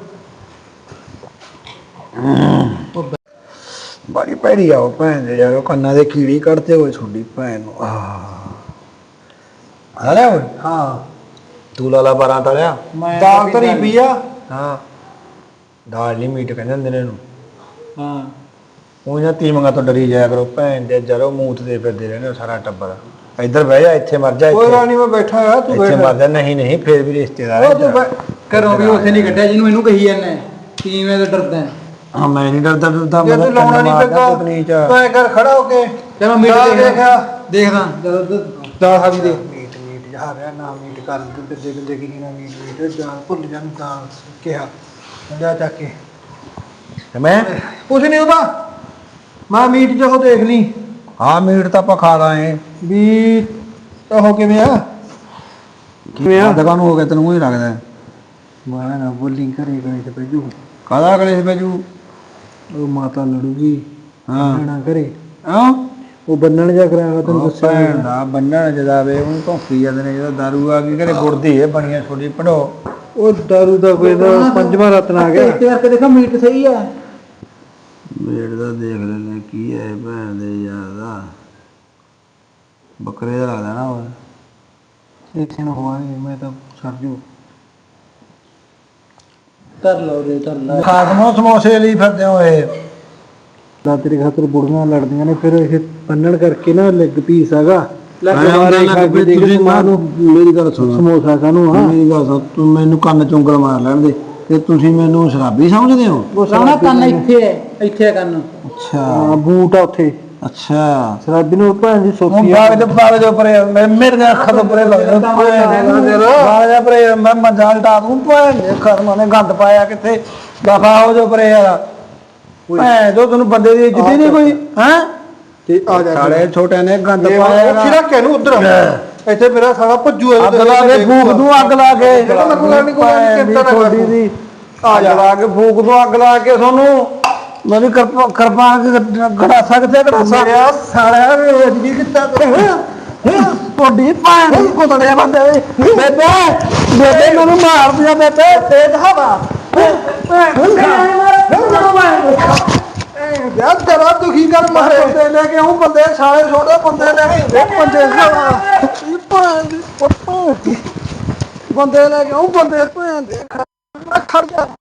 Speaker 1: ਬੜੀ ਭੈੜੀ ਆ ਉਹ ਭੈਣ ਦੇ ਯਾਰ, ਉਹ ਕੰਨਾਂ ਦੇ ਕੀੜੀ ਕੱਢਦੇ ਹੋਏ ਤੁਹਾਡੀ ਭੈਣ ਨੂੰ। ਆਹ ਆ ਲੈ ਓਏ।
Speaker 2: ਹਾਂ
Speaker 1: ਤੂੰ ਲਾਲਾ ਬਾਰਾਂ ਤਲਿਆ
Speaker 2: ਦਾਲ ਧਰੀ ਪਈ ਆ।
Speaker 1: ਹਾਂ ਦਾਲ ਨਹੀਂ ਮੀਟ ਕਹਿੰਦੇ ਹੁੰਦੇ ਨੇ ਇਹਨੂੰ।
Speaker 2: ਹਾਂ
Speaker 1: ਉਹ ਜਾਂ ਤੀਮੀਆਂ ਤੋਂ ਡਰੀ ਜਾਇਆ ਕਰੋ ਭੈਣ ਦੇ, ਜਰੋ ਮੂਤ ਦੇ ਫਿਰਦੇ ਰਹਿੰਦੇ ਸਾਰਾ ਟੱਬਰ। ਇੱਧਰ ਬਹਿ ਜਾ, ਇੱਥੇ ਮਰ ਜਾ,
Speaker 2: ਕੋਈ
Speaker 1: ਇੱਥੇ
Speaker 2: ਗੱਲ ਨਹੀਂ ਮੈਂ ਬੈਠਾ ਆ, ਤੂੰ
Speaker 1: ਇੱਥੇ
Speaker 2: ਬੈਠ।
Speaker 1: ਮਰ ਜਾ। ਨਹੀਂ ਨਹੀਂ ਫੇਰ ਵੀ ਰਿਸ਼ਤੇਦਾਰ
Speaker 2: ਉਹ
Speaker 1: ਹੈ
Speaker 2: ਤੂੰ ਘਰੋਂ ਵੀ ਉੱਥੇ ਨਹੀਂ ਕੱਢਿਆ ਜਿਹਨੂੰ ਇਹਨੂੰ ਕਹੀ ਜਾਂਦਾ ਕਿਵੇਂ ਤਾਂ ਡਰਦਾ।
Speaker 1: ਹਾਂ ਮੈਂ ਨਹੀਂ ਡਰਦਾ ਡਰਦਾ,
Speaker 2: ਜੇ
Speaker 1: ਮੈਂ
Speaker 2: ਤੂੰ ਲਾਉਣਾ ਨਹੀਂ
Speaker 1: ਪਤਨੀ ਚ
Speaker 2: ਪੈਂਦਾ ਤੂੰ ਐ ਕਰ ਖੜਾ ਹੋ ਕੇ। ਚਲੋ ਮੀਟ ਦੇਖਿਆ ਦੇਖਦਾ ਜਦੋਂ ਦਾਲ ਖਾਦੀ ਦੇਖ। ਮੀਟ ਮੀਟ ਜਾ ਰਿਹਾ ਨਾ, ਮੀਟ ਕਰ ਤੇ ਦੇਖ ਦੇਖ ਕੀ ਨਾ ਮੀਟ ਮੀਟ ਦਾਲ ਭੁੱਲ ਜਾਂ ਦਾਲ ਕਿਹਾ ਜਾ ਚੱਕ ਕੇ।
Speaker 1: ਤੇ ਮੈਂ
Speaker 2: ਕੁਛ ਨਹੀਂ ਉਹਦਾ, ਮੈਂ ਮੀਟ ਜੋ ਦੇਖ ਲਈ।
Speaker 1: ਹਾਂ ਮੀਟ ਤਾਂ ਆਪਾਂ ਖਾ ਲਾਂਗੇ
Speaker 2: ਵੀ ਉਹ ਕਿਵੇਂ ਆ
Speaker 1: ਕਿਵੇਂ ਆ ਦੁਕਾਨ ਹੋ ਗਿਆ ਤੈਨੂੰ ਹੀ ਲੱਗਦਾ।
Speaker 2: ਮੈਂ ਨਾ ਬੋਲਿੰਗ ਕਰੇ ਗਏ ਤੇ ਭੇਜੂ।
Speaker 1: ਕਾਹਦਾ ਕਲੇਸ਼ ਭੇਜੂ?
Speaker 2: ਉਹ ਮਾਤਾ ਲੜੂਗੀ।
Speaker 1: ਹਾਂ
Speaker 2: ਨਾ ਕਰੇ
Speaker 1: ਹਾਂ
Speaker 2: ਉਹ ਬੰਨਣ ਜਾ ਕਰਾਇਆ ਤੈਨੂੰ ਦੱਸਿਆ।
Speaker 1: ਭੈਣ ਦਾ ਬੰਨਣ ਜਦਾਵੇ ਉਹਨੂੰ ਧੋਖੀ ਜਾਂਦੇ ਨੇ। ਜਦੋਂ ਦਾਰੂ ਆ ਗਈ ਘਰੇ ਗੁਰਦੀ ਹੈ ਬਣੀਆਂ ਛੋਟੀ ਪੜੋ।
Speaker 2: ਉਹ ਦਾਰੂ ਦਾ ਕੋਈ ਦਾ ਪੰਜਵਾਂ ਰਤਨ ਆ ਗਿਆ। ਇੱਥੇ ਕਰਕੇ ਦੇਖੋ ਮੀਟ ਸਹੀ ਆ।
Speaker 1: ਮੀਟ ਦਾ ਦੇਖ ਲੈਂਦੇ ਕੀ ਹੈ ਭੈਣ ਦੇ ਯਾਰ ਦਾ। ਬੱਕਰੇ ਦਾ ਲੱਗਦਾ ਨਾ ਉਹ।
Speaker 2: ਇੱਕ ਦਿਨ ਹੋਆ ਮੈਂ ਤਾਂ ਸਰਜੂ ਕਰ ਲਓ ਰੇ ਕਰ ਲਾ।
Speaker 1: ਖਾਸਮੋ ਸਮੋਸੇ ਲਈ ਫਿਰਦੇ ਹੋਏ।
Speaker 2: ਦਾ ਤੇਰੇ ਖਾਤਰ ਬੁੜੀਆਂ ਲੜਦੀਆਂ ਨੇ, ਫਿਰ ਇਹ ਬੰਨਣ ਕਰਕੇ ਨਾ ਲੈਗ ਪੀਸ ਹੈਗਾ।
Speaker 1: ਮੇਰੀ ਗੱਲ ਸੁਣ,
Speaker 2: ਸਮੋਸਾ ਕਾਹਨੂੰ ਆ?
Speaker 1: ਮੇਰੀ ਗੱਲ ਸੁਣ, ਤੂੰ ਮੈਨੂੰ ਕੰਨ ਚੁੰਗਲ ਮਾਰ ਲੈਣ ਦੇ। ਤੇ ਤੁਸੀਂ ਮੈਨੂੰ ਸ਼ਰਾਬੀ ਸਮਝਦੇ ਹੋ?
Speaker 2: ਉਹ ਸਾਰਾ ਕੰਨ ਇੱਥੇ ਹੈ, ਇੱਥੇ ਹੈ ਕੰਨ।
Speaker 1: ਅੱਛਾ
Speaker 2: ਹਾਂ ਬੂਟ ਆ ਉੱਥੇ।
Speaker 1: ਅੱਛਾ
Speaker 2: ਸ਼ਰਾਬੀ ਨੂੰ ਭੈਣ ਦੀ
Speaker 1: ਹੁਣ
Speaker 2: ਸੋਫੀ
Speaker 1: ਬਾਗ ਦੇ ਬਾਗ ਦੇ ਉੱਪਰ ਮੇਰੇ ਦੀਆਂ ਅੱਖਾਂ ਤੋਂ ਪਰੇ ਲੱਗਦਾ ਬਾਗ ਦੇ ਪਰੇ ਮੈਂ ਮਜਾਲ ਡਾ ਦੂੰ। ਭੈਣ ਦੇ ਖਰਮਾਂ ਨੇ ਗੰਦ ਪਾਇਆ ਕਿੱਥੇ। ਦਫਾ ਹੋ ਜੋ ਪਰੇ ਯਾਰ। ਭੈਣ ਜੋ ਤੈਨੂੰ ਬੰਦੇ ਦੀ ਇੱਜ਼ਤ ਹੀ ਨਹੀਂ ਕੋਈ ਹੈ।
Speaker 2: ਤੇ ਆ ਜਾ
Speaker 1: ਸਾਲੇ ਛੋਟਿਆਂ ਨੇ ਗੰਦ ਪਾਇਆ।
Speaker 2: ਉੱਥੇ ਰੱਖ ਕੇ ਨੂੰ ਉਧਰ ਇੱਥੇ ਮੇਰਾ ਸਾਲਾ ਭੱਜੂ।
Speaker 1: ਅੱਗ ਲਾ ਕੇ ਫੂਕ ਦੂੰ, ਅੱਗ ਲਾ ਕੇ
Speaker 2: ਛੋਟੀ
Speaker 1: ਦੀ ਆ ਜਾ ਲਾ ਕੇ ਫੂਕ ਦੂੰ, ਅੱਗ ਲਾ ਕੇ ਤੁਹਾਨੂੰ। ਮੇਰੀ ਕਿਰਪਾ ਕਿਰਪਾ ਗੜਾਸਾ ਕਿੱਥੇ ਗੜਾਸਾ
Speaker 2: ਸਾਲਿਆ ਜੀ ਕਿੱਤਾ
Speaker 1: ਤੁਹਾਡੀ ਭੈਣ ਦੀ ਕੁੱਤੜੇ ਬੰਦੇ ਬੇਬੇ ਬੇਬੇ ਮੈਨੂੰ ਮਾਰ ਦਿਆ ਬੇਬੇ ਤੇਜ਼ ਹਵਾ।
Speaker 2: ਯਾਰ ਜਰਾ ਦੁਖੀ ਕਰ ਮਾਰੇ।
Speaker 1: ਬੰਦੇ ਲੈ ਕੇ ਆਉਂ, ਬੰਦੇ ਸਾਲੇ ਛੋਟੇ ਬੰਦੇ ਲੈ ਕੇ ਬੰਦੇ ਬੰਦੇ ਲੈ ਕੇ ਆਉਂ, ਬੰਦੇ ਭੈਣ ਦੇ ਖੜ ਜਾ।